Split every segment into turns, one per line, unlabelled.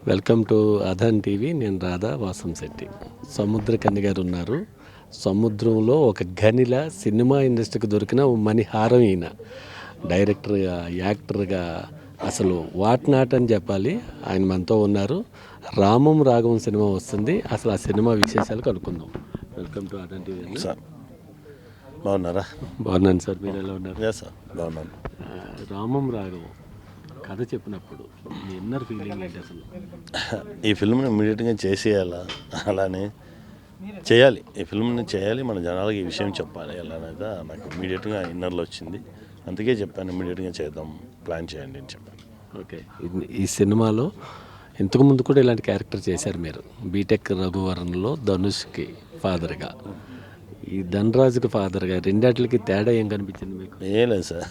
Welcome to Adan TV. నేను రాధా వాసంశెట్టి. సముద్రకన్య గారు ఉన్నారు. సముద్రంలో ఒక గనిలా సినిమా ఇండస్ట్రీకి దొరికిన మణిహారం ఈయన. డైరెక్టర్గా, యాక్టర్గా అసలు వాట్ నాట్ అని చెప్పాలి. ఆయన మనతో ఉన్నారు. రామం రాఘవం సినిమా వస్తుంది. అసలు ఆ సినిమా విశేషాలు కనుక్కుందాం. Welcome to Adan TV
sir. బాగున్నారా?
బాగున్నాను సార్, మీరు ఎలా ఉన్నారు?
సార్ బాగున్నాను.
రామం రాఘవం కథ చెప్పినప్పుడు మీ ఇన్నర్ ఫీలింగ్ ఏంటి అసలు?
ఈ ఫిల్మ్ని ఇమ్మీడియట్గా చేసేయాలా, అలానే చేయాలి, ఈ ఫిల్మ్ని చేయాలి, మన జనాలకి ఈ విషయం చెప్పాలి అలానేది నాకు ఇమ్మీడియట్గా ఇన్నర్లో వచ్చింది. అందుకే చెప్పాను ఇమ్మీడియట్గా చేద్దాం, ప్లాన్ చేయండి అని చెప్పాను.
ఓకే, ఈ సినిమాలో ఇంతకుముందు కూడా ఇలాంటి క్యారెక్టర్ చేశారు మీరు. బీటెక్ రఘువరన్లో ధనుష్కి ఫాదర్గా, ఈ ధనరాజుకి ఫాదర్గా, రెండాటికి తేడా ఏం కనిపించింది మీకు?
ఏం లేదు సార్,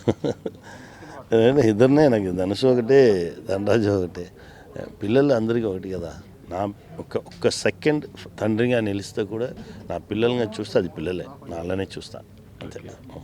ఇద్దరినే నాకు, ధనుష్ ఒకటే, ధనరాజు ఒకటే, పిల్లలు అందరికీ ఒకటి కదా. నా ఒక్క సెకండ్ తండ్రిగా నిలిస్తే కూడా నా పిల్లలుగా చూస్తే అది పిల్లలే, నాలోనే చూస్తా అంతే.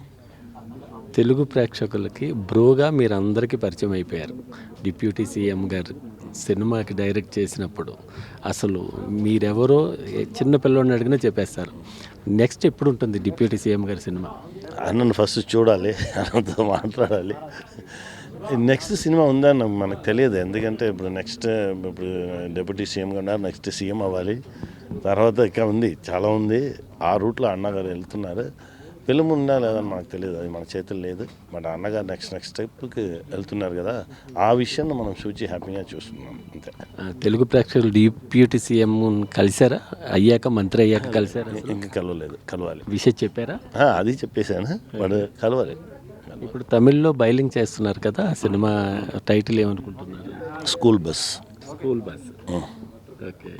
తెలుగు ప్రేక్షకులకి బ్రోగా మీరు అందరికీ పరిచయం అయిపోయారు. డిప్యూటీ సీఎం గారు సినిమాకి డైరెక్ట్ చేసినప్పుడు అసలు మీరెవరో చిన్న పిల్లోడిని అడిగినా చెప్పేస్తారు. నెక్స్ట్ ఎప్పుడు ఉంటుంది డిప్యూటీ సీఎం గారి సినిమా?
అన్నను ఫస్ట్ చూడాలి, అన్నతో మాట్లాడాలి. నెక్స్ట్ సినిమా ఉందని మనకు తెలియదు, ఎందుకంటే ఇప్పుడు ఇప్పుడు డిప్యూటీ సీఎంగా ఉన్నారు, నెక్స్ట్ సీఎం అవ్వాలి, తర్వాత ఇంకా ఉంది, చాలా ఉంది. ఆ రూట్లో అన్నగారు వెళ్తున్నారు. ఫిల్మ్ ఉందా లేదని మనకు తెలియదు, అది మన చేతులు లేదు. బట్ అన్నగారు నెక్స్ట్ స్టెప్కి వెళ్తున్నారు కదా, ఆ విషయాన్ని మనం చూచి హ్యాపీగా చూస్తున్నాం అంతే.
తెలుగు ప్రేక్షకులు డిప్యూటీ సీఎం కలిసారా? అయ్యాక, మంత్రి అయ్యాక కలిసారా?
ఇంకా కలవలేదు, కలవాలి.
విషయం చెప్పారా?
అది చెప్పేశాను, బట్ కలవాలి.
ఇప్పుడు తమిళ్లో బైలింగ్ చేస్తున్నారు కదా, ఆ సినిమా టైటిల్ ఏమనుకుంటున్నారు?
School bus.
School bus. Okay,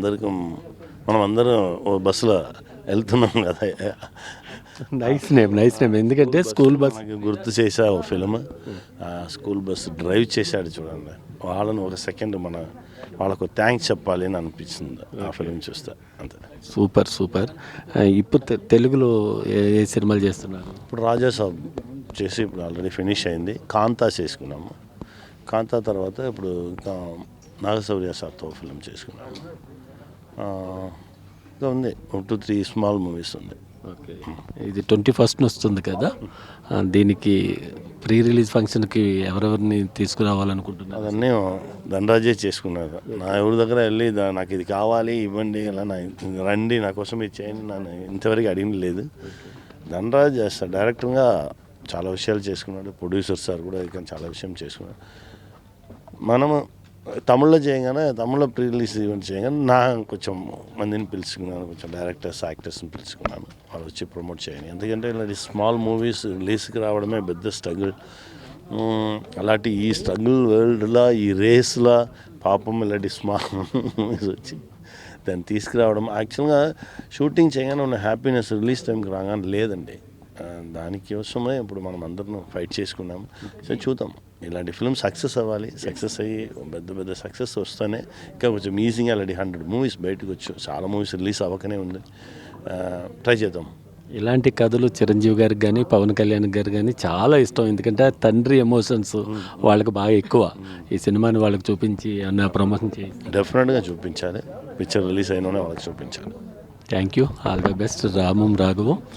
మనం అందరం ఓ బస్సులో వెళ్తున్నాం కదా.
Nice name. ఎందుకంటే స్కూల్ బస్
గుర్తు చేసా ఓ ఫిల్మ్, స్కూల్ బస్ డ్రైవ్ చేశాడు చూడండి, వాళ్ళని ఒక సెకండ్ వాళ్ళకు థ్యాంక్స్ చెప్పాలి అని అనిపించింది ఆ ఫిల్మ్ చూస్తే అంతే.
సూపర్. ఇప్పుడు తెలుగులో ఏ సినిమాలు చేస్తున్నారు?
ఇప్పుడు రాజాసాబ్ చేసి ఇప్పుడు ఆల్రెడీ ఫినిష్ అయింది. కాంతా చేసుకున్నాము. కాంతా తర్వాత ఇప్పుడు ఇంకా నాగశౌర్య సార్తో ఫిల్మ్ చేసుకున్నాము. ఇంకా ఉంది 2-3 స్మాల్ మూవీస్ ఉంది.
ఓకే, ఇది 21st వస్తుంది కదా, దీనికి ప్రీ రిలీజ్ ఫంక్షన్కి ఎవరెవరిని తీసుకురావాలనుకుంటున్నారు?
అవన్నీ ధనరాజే చేసుకున్నారు. నా ఎవరి దగ్గర వెళ్ళి నాకు ఇది కావాలి ఇవ్వండి, ఇలా రండి నా కోసం ఇది చేయండి నన్ను ఇంతవరకు అడిగిన లేదు. ధనరాజ్ చేస్తాడు, డైరెక్టర్గా చాలా విషయాలు చేసుకున్నాడు. ప్రొడ్యూసర్ సార్ కూడా ఇక్కడ చాలా విషయం చేసుకున్నాడు. మనము తమిళ్లో చేయగానే, తమిళ్లో ప్రీ రిలీజ్ ఈవెంట్ చేయగానే నా కొంచెం మందిని పిలుచుకున్నాను, కొంచెం డైరెక్టర్స్, యాక్టర్స్ని పిలుచుకున్నాను, వాళ్ళు వచ్చి ప్రమోట్ చేయండి. ఎందుకంటే ఇలాంటి స్మాల్ మూవీస్ రిలీజ్కి రావడమే పెద్ద స్ట్రగుల్. అలాంటి ఈ స్ట్రగుల్ వరల్డ్లో, ఈ రేస్లో పాపం ఇలాంటి స్మాల్ మూవీస్ వచ్చి దాన్ని తీసుకురావడం, యాక్చువల్గా షూటింగ్ చేయగానే ఉన్న హ్యాపీనెస్ రిలీజ్ టైంకి రాగానే లేదండి. దానికోసమే ఇప్పుడు మనం అందరం ఫైట్ చేసుకున్నాము. సో చూద్దాం, ఇలాంటి ఫిల్మ్ సక్సెస్ అవ్వాలి. సక్సెస్ అయ్యి పెద్ద సక్సెస్ వస్తేనే ఇంకా కొంచెం ఈజీగా ఆల్రెడీ 100 మూవీస్ బయటకు వచ్చు, చాలా మూవీస్ రిలీజ్ అవ్వకనే ఉంది. ట్రై చేద్దాం.
ఇలాంటి కథలు చిరంజీవి గారికి కానీ, పవన్ కళ్యాణ్ గారికి కానీ చాలా ఇష్టం. ఎందుకంటే తండ్రి ఎమోషన్స్ వాళ్ళకి బాగా ఎక్కువ. ఈ సినిమాని వాళ్ళకి చూపించి అన్న ప్రమోషన్ చేసి
డెఫినెట్గా చూపించాలి. పిక్చర్ రిలీజ్ అయినోనే వాళ్ళకి చూపించాలి.
Thank you. All the best. Ramam రాఘవం.